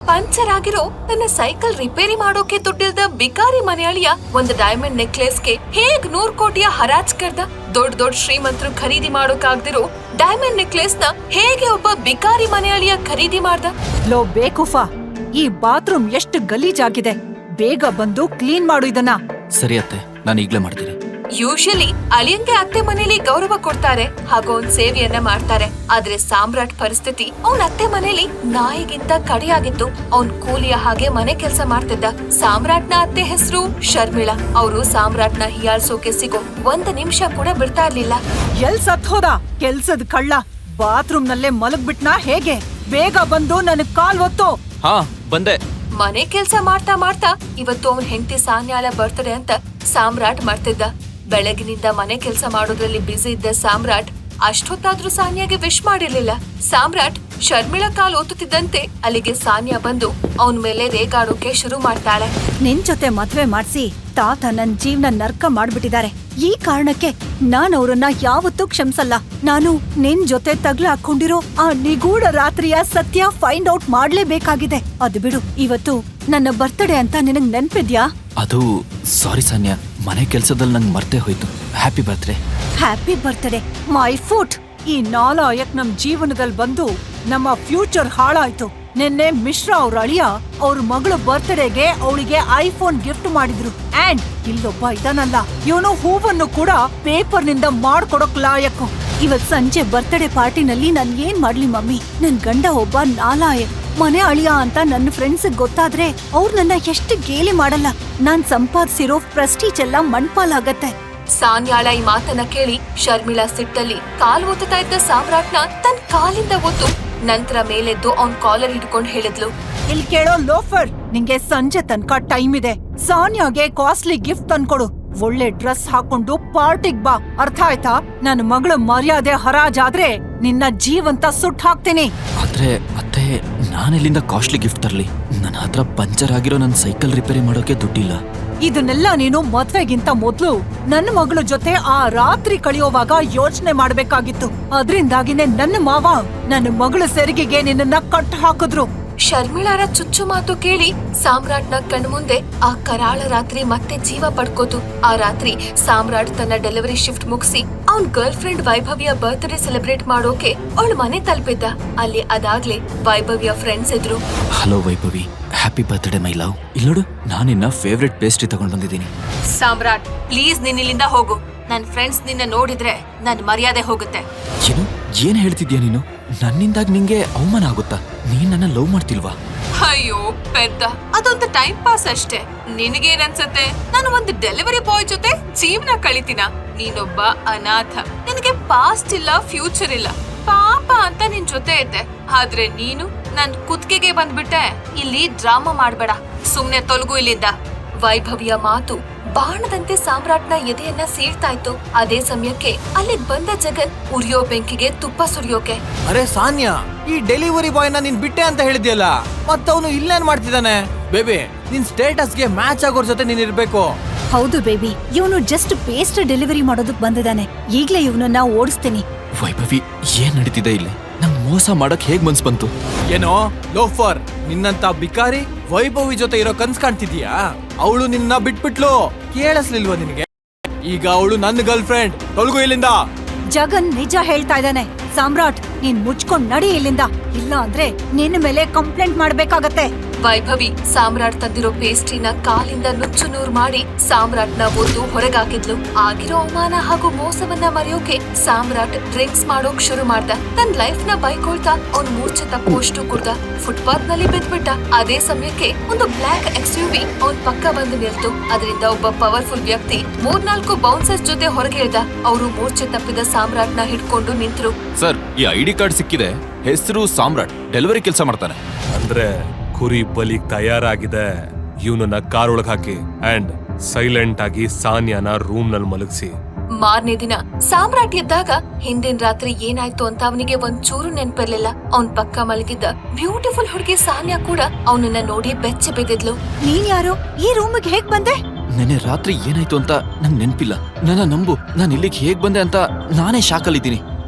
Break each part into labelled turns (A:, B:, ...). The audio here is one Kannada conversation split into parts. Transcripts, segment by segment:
A: ಪಂಚರ್ ಆಗಿರೋ ತನ್ನ ಸೈಕಲ್ ರಿಪೇರಿ ಮಾಡೋಕೆ ದುಡ್ಡಿಲ್ದ ಬಿಕಾರಿ ಮನೆಯಾಳಿಯ ಒಂದು ಡೈಮಂಡ್ ನೆಕ್ಲೆಸ್ಗೆ ಹೇಗ್ 100 ಕೋಟಿಯ ಹರಾಜ್ ಕರ್ದ. ದೊಡ್ಡ ದೊಡ್ಡ ಶ್ರೀಮಂತರು ಖರೀದಿ ಮಾಡೋಕಾಗ್ದಿರೋ ಡೈಮಂಡ್ ನೆಕ್ಲೆಸ್ ನ ಹೇಗೆ ಒಬ್ಬ ಬಿಕಾರಿ ಮನೆಯಾಳಿಯ ಖರೀದಿ ಮಾಡ್ದ.
B: ಲೋ ಬೇಕುಫಾ, ಈ ಬಾತ್ರೂಮ್ ಎಷ್ಟು ಗಲೀಜಾಗಿದೆ, ಬೇಗ ಬಂದು ಕ್ಲೀನ್ ಮಾಡು ಇದನ್ನ.
C: ಸರಿ ಅತ್ತೆ, ನಾನು ಈಗ್ಲೇ ಮಾಡ್ತೀನಿ.
A: ಯೂಶಲಿ ಅಳಿಯಂಗೆ ಅತ್ತೆ ಮನೇಲಿ ಗೌರವ ಕೊಡ್ತಾರೆ ಹಾಗೂ ಅವ್ನ್ ಸೇವೆಯನ್ನ ಮಾಡ್ತಾರೆ. ಆದ್ರೆ ಸಾಮ್ರಾಟ್ ಪರಿಸ್ಥಿತಿ ಅವನ್ ಅತ್ತೆ ಮನೇಲಿ ನಾಯಿಗಿಂತ ಕಡೆಯಾಗಿತ್ತು. ಅವ್ನ್ ಕೂಲಿಯ ಹಾಗೆ ಮನೆ ಕೆಲಸ ಮಾಡ್ತಿದ್ದ. ಸಾಮ್ರಾಟ್ನ ಅತ್ತೆ ಹೆಸರು ಶರ್ಮಿಳಾ. ಅವರು ಸಾಮ್ರಾಟ್ನ ಹಿಯಾಳ್ಸೋಕೆ ಸಿಗೋ 1 ನಿಮಿಷ ಕೂಡ ಬಿಡ್ತಾ ಇರ್ಲಿಲ್ಲ.
B: ಎಲ್ ಸತ್ ಹೋದ ಕೆಲ್ಸದ ಕಳ್ಳ? ಬಾತ್ರೂಮ್ ನಲ್ಲೇ ಮಲಗ್ಬಿಟ್ನಾ ಹೇಗೆ? ಬೇಗ ಬಂದು ನನಗ್ ಕಾಲ್ ಒತ್ತು.
C: ಹಾ ಬಂದೆ.
A: ಮನೆ ಕೆಲ್ಸ ಮಾಡ್ತಾ ಮಾಡ್ತಾ ಇವತ್ತು ಅವನ್ ಹೆಂಡತಿ ಸಾನ್ಯಾಳ ಬರ್ತಡೆ ಅಂತ ಸಾಮ್ರಾಟ್ ಮಾಡ್ತಿದ್ದ. ಬೆಳಗಿನಿಂದ ಮನೆ ಕೆಲಸ ಮಾಡೋದ್ರಲ್ಲಿ ಬ್ಯುಸಿ ಇದ್ದ ಸಾಮ್ರಾಟ್ ಅಷ್ಟೊತ್ತಾದ್ರೂ ಸಾನ್ಯಾಗೆ ವಿಶ್ ಮಾಡಿರ್ಲಿಲ್ಲ. ಸಾಮ್ರಾಟ್ ಶರ್ಮಿಳಾ ಕಾಲ್ ಒತ್ತುತ್ತಿದ್ದಂತೆ ಅಲ್ಲಿಗೆ ಸಾನ್ಯಾ ಬಂದು ಅವನ್ ಮೇಲೆ ರೇಗಾಡೋಕೆ ಶುರು ಮಾಡ್ತಾಳೆ.
B: ನಿನ್ ಜೊತೆ ಮದ್ವೆ ಮಾಡ್ಸಿ ತಾತ ನನ್ ಜೀವನ ನರ್ಕ ಮಾಡ್ಬಿಟ್ಟಿದ್ದಾರೆ. ಈ ಕಾರಣಕ್ಕೆ ನಾನ್ ಅವ್ರನ್ನ ಯಾವತ್ತೂ ಕ್ಷಮಿಸಲ್ಲ. ನಾನು ನಿನ್ ಜೊತೆ ತಗ್ಲ ಹಾಕೊಂಡಿರೋ ಆ ನಿಗೂಢ ರಾತ್ರಿಯ ಸತ್ಯ ಫೈಂಡ್ ಔಟ್ ಮಾಡ್ಲೇಬೇಕಾಗಿದೆ. ಅದು ಬಿಡು, ಇವತ್ತು ನನ್ನ ಬರ್ತ್ಡೇ ಅಂತ ನಿನಗ್ ನೆನ್ಪಿದ್ಯಾ?
C: ಅದು ಸಾರಿ ಸಾನ್ಯಾ, ಮನೆ ಕೆಲ್ಸದಲ್ಲಿ ನಂಗೆ ಮರ್ತೇ ಹೋಯ್ತು. Happy birthday.
B: Happy birthday my foot. ಈ ನಾಲಾಯಕ್ ನಮ್ ಜೀವನದಲ್ಲಿ ಬಂದು ನಮ್ಮ ಫ್ಯೂಚರ್ ಹಾಳಾಯ್ತು. ನಿನ್ನೆ ಮಿಶ್ರಾ ಅವ್ರ ಅಳಿಯ ಅವ್ರ ಮಗಳು ಬರ್ತ್ಡೇಗೆ ಅವಳಿಗೆ ಐಫೋನ್ ಗಿಫ್ಟ್ ಮಾಡಿದ್ರು. ಅಂಡ್ ಇಲ್ಲೊಬ್ಬ ಇದನಲ್ಲ, ಇವನು ಹೂವನ್ನು ಕೂಡ ಪೇಪರ್ ನಿಂದ ಮಾಡ್ಕೊಡಕ್ ಲಾಯಕ್ಕು. ಇವತ್ ಸಂಜೆ ಬರ್ತ್ಡೇ ಪಾರ್ಟಿನಲ್ಲಿ ನಾನ್ ಏನ್ ಮಾಡ್ಲಿ ಮಮ್ಮಿ? ನನ್ ಗಂಡ ಒಬ್ಬ ನಾಲಾಯಕ್ ಮನೆ ಅಳಿಯ ಅಂತ ನನ್ನ ಫ್ರೆಂಡ್ಸ್ ಗೊತ್ತಾದ್ರೆ ಅವ್ರು ನನ್ನ ಎಷ್ಟು ಗೇಲಿ ಮಾಡಲ್ಲ. ನಾನ್ ಸಂಪಾದಿಸಿರೋ ಪ್ರೆಸ್ಟೀಜ್ ಎಲ್ಲ ಮಣ್ಪಾಲಾಗತ್ತೆ.
A: ಸಾನ್ಯಾಳ ಈ ಮಾತನ್ನ ಕೇಳಿ ಶರ್ಮಿಳಾ ಸಿಟ್ಟಲ್ಲಿ ಕಾಲ್ ಒತ್ತುತ್ತಾ ಇದ್ದ ಸಾಮ್ರಾಟ್ನ ತನ್ ಕಾಲಿಂದ ಒತ್ತು ನಂತರ ಮೇಲೆದ್ದು ಅವ್ನ್ ಕಾಲರ್ ಹಿಡ್ಕೊಂಡು ಹೇಳಿದ್ಲು,
B: ಇಲ್ ಕೇಳೋ ಲೋಫರ್, ನಿಂಗೆ ಸಂಜೆ ತನಕ ಟೈಮ್ ಇದೆ. ಸಾನ್ಯಾಗೆ ಕಾಸ್ಟ್ಲಿ ಗಿಫ್ಟ್ ತಂದ್ಕೊಡು. ಒಳ್ಳೆ ಡ್ರೆಸ್ ಹಾಕೊಂಡು ಪಾರ್ಟಿಗ್ ಬಾ, ಅರ್ಥ ಆಯ್ತಾ? ನನ್ನ ಮಗಳ ಮರ್ಯಾದೆ ಹರಾಜಾದ್ರೆ ನಿನ್ನ ಜೀವಂತ ಸುಟ್ ಹಾಕ್ತೀನಿ.
C: ಆದ್ರೆ ಅತ್ತೆ, ನಾನೆಲ್ಲಿಂದ ಕಾಸ್ಟ್ಲಿ ಗಿಫ್ಟ್ ತರ್ಲಿ? ನನ್ನ ಹತ್ರ ಪಂಚರ್ ಆಗಿರೋ ನನ್ನ ಸೈಕಲ್ ರಿಪೇರಿ ಮಾಡೋಕೆ ದುಡ್ಡಿಲ್ಲ.
B: ಇದನ್ನೆಲ್ಲ ನೀನು ಮದ್ವೆಗಿಂತ ಮೊದ್ಲು ನನ್ನ ಮಗಳ ಜೊತೆ ಆ ರಾತ್ರಿ ಕಳೆಯೋವಾಗ ಯೋಚನೆ ಮಾಡ್ಬೇಕಾಗಿತ್ತು. ಅದ್ರಿಂದಾಗಿನೇ ನನ್ನ ಮಾವ ನನ್ನ ಮಗಳ ಸೆರಿಗೆಗೆ ನಿನ್ನನ್ನ ಕಟ್ ಹಾಕಿದ್ರು.
A: ಶರ್ಮಿಳಾರ ಚುಚ್ಚು ಮಾತು ಕೇಳಿ ಸಾಮ್ರಾಟ್ನ ಕಣ್ಮುಂದೆ ಆ ಕರಾಳ ರಾತ್ರಿ ಮತ್ತೆ ಜೀವ ಪಡ್ಕೋತು. ಆ ರಾತ್ರಿ ಸಾಮ್ರಾಟ್ ತನ್ನ ಡೆಲಿವರಿ ಶಿಫ್ಟ್ ಮುಗಿಸಿ ಅವನ್ ಗರ್ಲ್ ಫ್ರೆಂಡ್ ವೈಭವಿಯ ಬರ್ತ್ಡೇ ಸೆಲೆಬ್ರೇಟ್ ಮಾಡೋಕೆ ಅವಳ ಮನೆ ತಲುಪಿದ್ದ. ಅಲ್ಲಿ ಅದಾಗ್ಲೇ ವೈಭವಿಯ ಫ್ರೆಂಡ್ಸ್ ಇದ್ರು.
C: Hello Vaibhavi, happy birthday my love. ಇಲ್ಲಿ ನೋಡು, ನಾನಿನ್ನ ಫೇವ್ರೆಟ್ ಪೇಸ್ಟ್ರಿ ತಗೊಂಡ್ ಬಂದಿದ್ದೀನಿ.
A: ಸಾಮ್ರಾಟ್, ಪ್ಲೀಸ್ ನೀನ್ ಇಲ್ಲಿಂದ ಹೋಗು. ನನ್ ಫ್ರೆಂಡ್ಸ್ ನಿನ್ನ ನೋಡಿದ್ರೆ ನನ್ ಮರ್ಯಾದೆ ಹೋಗುತ್ತೆ.
C: ಏನು ಏನ್ ಹೇಳ್ತಿದ್ಯಾ ನೀನು? ನನ್ನಿಂದಾಗ್ ನಿಂಗೆ ಅವಮಾನ ಆಗುತ್ತಾ? ನೀನ್ ನನ್ನ ಲವ್ ಮಾಡ್ತಿಲ್ವಾ?
A: ಅಯ್ಯೋ ಪೆದ್ದ, ಅದೊಂದು ಟೈಮ್ ಪಾಸ್ ಅಷ್ಟೇ. ನಿನಗೇನನ್ಸತ್ತೆ ನಾನು ಒಂದು ಡೆಲಿವರಿ ಬಾಯ್ ಜೊತೆ ಜೀವನ ಕಳಿತೀನ? ನೀನೊಬ್ಬ ಅನಾಥ, ನಿನಗೆ ಪಾಸ್ಟ್ ಇಲ್ಲ, ಫ್ಯೂಚರ್ ಇಲ್ಲ. ಪಾಪ ಅಂತ ನಿನ್ ಜೊತೆ ಇದ್ದೆ, ಆದ್ರೆ ನೀನು ನನ್ ಕುತ್ತಿಗೆಗೆ ಬಂದ್ಬಿಟ್ಟೆ. ಇಲ್ಲಿ ಡ್ರಾಮಾ ಮಾಡ್ಬೇಡ, ಸುಮ್ನೆ ತೊಲಗು ಇಲ್ಲಿಂದ. ವೈಭವಿಯ ಮಾತು ಬಾಣದಂತೆ ಸಾಮ್ರಾಟ್ನ ಎದೆಯನ್ನ ಸೀಳ್ತಾ ಇತ್ತು. ಅದೇ ಸಮಯಕ್ಕೆ ಅಲ್ಲಿಗ್ ಬಂದ ಜಗನ್ ಉರಿಯೋ ಬೆಂಕಿಗೆ ತುಪ್ಪ ಸುರಿಯೋಕೆ.
D: ಅರೆ ಸಾನ್ಯಾ, ಈ ಡೆಲಿವರಿ ಬಾಯ್ ನ ನೀನ್ ಬಿಟ್ಟೆ ಅಂತ ಹೇಳಿದ್ಯಲ್ಲ, ಮತ್ತವನು ಇಲ್ಲೇನ್ ಮಾಡ್ತಿದ್ದಾನೆ? ಬೇಬಿ, ನಿನ್ ಸ್ಟೇಟಸ್ಗೆ ಮ್ಯಾಚ್ ಆಗೋರ್ ಜೊತೆ ನೀನ್ ಇರ್ಬೇಕು.
B: ಹೌದು ಬೇಬಿ, ಇವನು ಜಸ್ಟ್ ಪೇಸ್ಟ್ ಡೆಲಿವರಿ ಮಾಡೋದಕ್ ಬಂದಿದ್ದಾನೆ. ಈಗ್ಲೇ ಇವನನ್ನ ಓಡಿಸ್ತೀನಿ.
C: ವೈಭವಿ, ಏನ್ ನಡೀತಿದೆ ಇಲ್ಲಿ? ನಂಗ್ ಮೋಸ ಮಾಡಕ್ ಹೇಗ್ ಮನ್ಸ್ ಬಂತು?
D: ಏನೋ ಲೋಫರ್, ನಿನ್ನಂತ ಬಿಕಾರಿ ವೈಭವಿ ಜೊತೆ ಇರೋ ಕನ್ಸ್ ಕಾಣ್ತಿದ್ಯಾ? ಅವಳು ನಿನ್ನ ಬಿಟ್ಬಿಟ್ಲು, ಕೇಳಿಸ್ಲಿಲ್ವಾ ನಿನಗೆ? ಈಗ ಅವಳು ನನ್ನ ಗರ್ಲ್ ಫ್ರೆಂಡ್. ತೊಲಗು ಇಲ್ಲಿಂದ.
B: ಜಗನ್ ನಿಜ ಹೇಳ್ತಾ ಇದ್ದಾನೆ. ಸಾಮ್ರಾಟ್, ನೀನ್ ಮುಚ್ಕೊಂಡ್ ನಡಿ ಇಲ್ಲಿಂದ, ಇಲ್ಲ ಅಂದ್ರೆ ನಿನ್ನ ಮೇಲೆ ಕಂಪ್ಲೇಂಟ್ ಮಾಡ್ಬೇಕಾಗತ್ತೆ.
A: ವೈಭವಿ ಸಾಮ್ರಾಟ್ ತಂದಿರೋ ಪೇಸ್ಟ್ರಿನ ಕಾಲಿಂದ ನುಚ್ಚು ನೂರು ಮಾಡಿ ಸಾಮ್ರಾಟ್ನ ಒದ್ದು ಹೊರಗಾಕಿದ್ಲು. ಆಗಿರೋ ಅವಮಾನ ಹಾಗೂ ಮೋಸವನ್ನ ಮರೆಯೋಕೆ ಸಾಮ್ರಾಟ್ ಡ್ರಿಂಕ್ಸ್ ಮಾಡೋಕ್ ಶುರು ಮಾಡ್ದ. ತನ್ನ ಲೈಫ್ ನ ಬೈಕೊಳ್ತಾ ಅವ್ನು ಮೂರ್ಛೆ ತಪ್ಪುವಷ್ಟು ಕುಡ್ದ. ಫುಟ್ಪಾತ್ ನಲ್ಲಿ ಬಿದ್ಬಿಟ್ಟ. ಅದೇ ಸಮಯಕ್ಕೆ ಒಂದು ಬ್ಲಾಕ್ XUV ಅವ್ನ್ ಪಕ್ಕ ಬಂದು ನಿಲ್ತು. ಅದರಿಂದ ಒಬ್ಬ ಪವರ್ಫುಲ್ ವ್ಯಕ್ತಿ 3-4 ಬೌನ್ಸರ್ಸ್ ಜೊತೆ ಹೊರಗೆ ಇಳ್ದ. ಅವರು ಮೂರ್ಛೆ ತಪ್ಪಿದ ಸಾಮ್ರಾಟ್ನ ಹಿಡ್ಕೊಂಡು ನಿಂತ್ರು.
E: ಸರ್, ಈ ID ಕಾರ್ಡ್ ಸಿಕ್ಕಿದೆ. ಹೆಸರು ಸಾಮ್ರಾಟ್, ಡೆಲಿವರಿ ಕೆಲಸ ಮಾಡ್ತಾನೆ.
F: ಅಂದ್ರೆ ಕುರಿ ಬಲಿಗ್ ತಯಾರಾಗಿದೆ. ಇವನನ್ನ ಕಾರ್ ಒಳಗ್ ಹಾಕಿ ಅಂಡ್ ಸೈಲೆಂಟ್ ಆಗಿ ಸಾನ್ಯಾನ ರೂಮ್ ನಲ್ಲಿ ಮಲಗಿಸಿ.
A: ಮಾರನೇ ದಿನ ಸಾಮ್ರಾಟ್ ಎದ್ದಾಗ ಹಿಂದಿನ ರಾತ್ರಿ ಏನಾಯ್ತು ಅಂತ ಅವನಿಗೆ ಒಂಚೂರು ನೆನ್ಪಿರ್ಲಿಲ್ಲ. ಅವನ್ ಪಕ್ಕ ಮಲಗಿದ್ದ ಬ್ಯೂಟಿಫುಲ್ ಹುಡುಗಿ ಸಾನ್ಯಾ ಕೂಡ ಅವನನ್ನ ನೋಡಿ ಬೆಚ್ಚ ಬಿದ್ದಿದ್ಲು.
B: ನೀನ್ ಯಾರು? ಈ ರೂಮಿಗೆ ಹೇಗ್ ಬಂದೆ?
C: ನೆನ್ನೆ ರಾತ್ರಿ ಏನಾಯ್ತು ಅಂತ ನಂಗ್ ನೆನ್ಪಿಲ್ಲ. ನನ್ನ ನಂಬು, ನಾನ್ ಇಲ್ಲಿಗೆ ಹೇಗ್ ಬಂದೆ ಅಂತ ನಾನೇ ಶಾಕಲ್ಲಿದ್ದೀನಿ.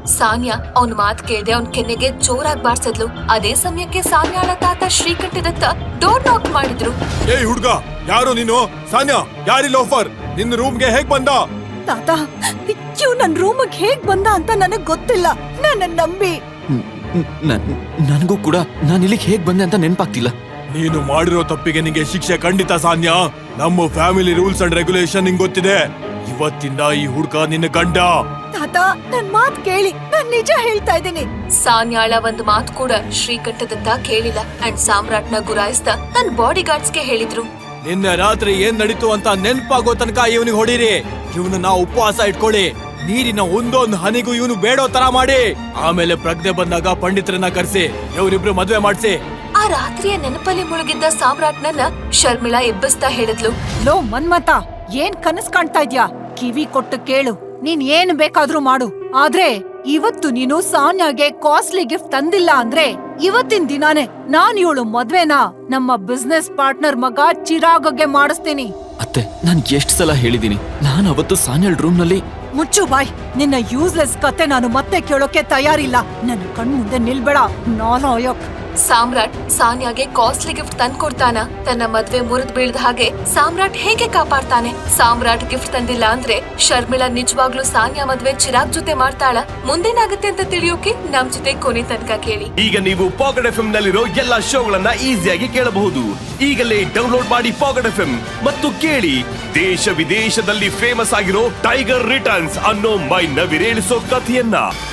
A: ಸಾನ್ಯಾ ಅವ್ನ್ ಮಾತ್ ಕೇಳ್ದೆ ಅವ್ನ್ ಕೆನ್ನೆಗೆ ಜೋರಾಗಿ ಬಾರ್ಸಿದ್ಲು. ಅದೇ ಸಮಯಕ್ಕೆ ಸಾನ್ಯಾಳ ತಾತ ಶ್ರೀಕಂಠದತ್ತ ಡೋರ್ ನಾಕ್ ಮಾಡಿದ್ರು.
F: ಏಯ್ ಹುಡ್ಗ, ಯಾರು ನೀನು? ಸಾನ್ಯಾ, ಯಾರಿ ಲೋಫರ್? ನಿನ್ನ ರೂಮ್ಗೆ ಹೇಗ್ ಬಂದ?
B: ತಾತ, ಇವ್ ನನ್ ರೂಮಿಗೆ ಹೇಗ್ ಬಂದ ಅಂತ ನನಗ್ ಗೊತ್ತಿಲ್ಲ. ನನ್ನ ನಂಬಿ.
C: ನನಗೂ ಕೂಡ ನಾನು ಇಲ್ಲಿಗೆ ಹೇಗ್ ಬಂದೆ ಅಂತ ನೆನ್ಪಾಗ್ತಿಲ್ಲ.
F: ನೀನು ಮಾಡಿರೋ ತಪ್ಪಿಗೆ ನಿಂಗೆ ಶಿಕ್ಷೆ ಖಂಡಿತ ಸಾನ್ಯಾ. ನಮ್ಮ ಫ್ಯಾಮಿಲಿ ರೂಲ್ಸ್ ಅಂಡ್ ರೆಗ್ಯುಲೇಷನ್ ನಿಂಗ್ ಗೊತ್ತಿದೆ. ಇವತ್ತಿಂದ ಈ ಹುಡ್ಗ ನಿನ್ನ ಗಂಡ.
B: ತಾತ, ನನ್ ಮಾತ್ ಕೇಳಿ, ನಾನ್ ನಿಜ ಹೇಳ್ತಾ ಇದ್ದೀನಿ.
A: ಸಾನ್ಯಾಳ ಒಂದ್ ಮಾತು ಕೂಡ ಶ್ರೀಕಂಠದತ್ತ ಕೇಳಿಲ್ಲ. ಅಂಡ್ ಸಾಮ್ರಾಟ್ನ ಗುರಾಯಿಸ್ದ ತನ್ನ ಬಾಡಿ ಗಾರ್ಡ್ಸ್ಗೆ ಹೇಳಿದ್ರು.
D: ನಿನ್ನೆ ರಾತ್ರಿ ಏನ್ ನಡೀತು ಅಂತ ನೆನ್ಪಾಗೋ ತನಕ ಇವನಿಗೆ ಹೊಡೀರಿ. ಇವನನ್ನ ಉಪವಾಸ ಇಟ್ಕೊಳ್ಳಿ. ನೀರಿನ ಒಂದೊಂದು ಹನಿಗೂ ಇವನು ಬೇಡೋ ತರ ಮಾಡಿ. ಆಮೇಲೆ ಪ್ರಜ್ಞೆ ಬಂದಾಗ ಪಂಡಿತರನ್ನ ಕರೆಸಿ ಇವರಿಬ್ರು ಮದ್ವೆ ಮಾಡ್ಸಿ.
A: ಆ ರಾತ್ರಿಯ ನೆನಪಲ್ಲಿ ಮುಳುಗಿದ್ದ ಸಾಮ್ರಾಟ್ನನ್ನ ಶರ್ಮಿಳಾ ಎಬ್ಬಿಸ್ತಾ ಹೇಳಿದ್ಲು.
B: ಲೋ ಮನ್ಮತ, ಏನ್ ಕನಸ್ ಕಾಣ್ತಾ ಇದ್ಯಾ? ಕಿವಿ ಕೊಟ್ಟು ಕೇಳು, ನೀನ್ ಏನ್ ಬೇಕಾದ್ರೂ ಮಾಡು. ಆದ್ರೆ ಇವತ್ತು ನೀನು ಸಾನ್ಯಾಗೆ ಕಾಸ್ಟ್ಲಿ ಗಿಫ್ಟ್ ತಂದಿಲ್ಲ ಅಂದ್ರೆ ಇವತ್ತಿನ ದಿನಾನೇ ನಾನ್ ಇವಳು ಮದ್ವೆನ ನಮ್ಮ ಬಿಸ್ನೆಸ್ ಪಾರ್ಟ್ನರ್ ಮಗ ಚಿರಾಗ್ಗೆ ಮಾಡಿಸ್ತೀನಿ.
C: ಅತ್ತೆ, ನಾನ್ ಎಷ್ಟ್ ಸಲ ಹೇಳಿದೀನಿ, ನಾನು ಅವತ್ತು ಸಾನ್ಯಾಳ್ ರೂಮ್ ನಲ್ಲಿ.
B: ಮುಚ್ಚು ಬಾಯ್, ನಿನ್ನ ಯೂಸ್ಲೆಸ್ ಕತೆ ನಾನು ಮತ್ತೆ ಕೇಳೋಕೆ ತಯಾರಿಲ್ಲ. ನನ್ನ ಕಣ್ ಮುಂದೆ ನಿಲ್ಬೇಡ ನಾಲಾಯಕ್.
A: ಸಾಮ್ರಾಟ್ ಸಾನ್ಯಾಗೆ ಕಾಸ್ಟ್ಲಿ ಗಿಫ್ಟ್ ತಂದ್ಕೊಡ್ತಾನ. ತನ್ನ ಮದ್ವೆ ಮುರಿದ್ ಬೀಳ್ದ ಹಾಗೆ ಸಾಮ್ರಾಟ್ ಹೇಗೆ ಕಾಪಾಡ್ತಾನೆ? ಸಾಮ್ರಾಟ್ ಗಿಫ್ಟ್ ತಂದಿಲ್ಲ ಅಂದ್ರೆ ಶರ್ಮಿಳಾ ನಿಜವಾಗ್ಲೂ ಸಾನ್ಯಾ ಮದ್ವೆ ಚಿರಾಗ್ ಜೊತೆ ಮಾಡ್ತಾಳ? ಮುಂದೇನಾಗುತ್ತೆ ಅಂತ ತಿಳಿಯೋಕೆ ನಮ್ ಜೊತೆ ಕೊನೆ ತನಕ ಕೇಳಿ.
G: ಈಗ ನೀವು ಪಾಕೆಟ್ ಎಫ್ಎಂ ನಲ್ಲಿರೋ ಎಲ್ಲಾ ಶೋಗಳನ್ನ ಈಸಿಯಾಗಿ ಕೇಳಬಹುದು. ಈಗಲೇ ಡೌನ್ಲೋಡ್ ಮಾಡಿ ಪಾಕೆಟ್ ಎಫ್ಎಂ ಮತ್ತು ಕೇಳಿ ದೇಶ ವಿದೇಶದಲ್ಲಿ ಫೇಮಸ್ ಆಗಿರೋ ಟೈಗರ್ ರಿಟರ್ನ್ಸ್ ಅನ್ನೋ ಮೈ ನವಿರೇಳಿಸೋ ಕಥೆಯನ್ನ.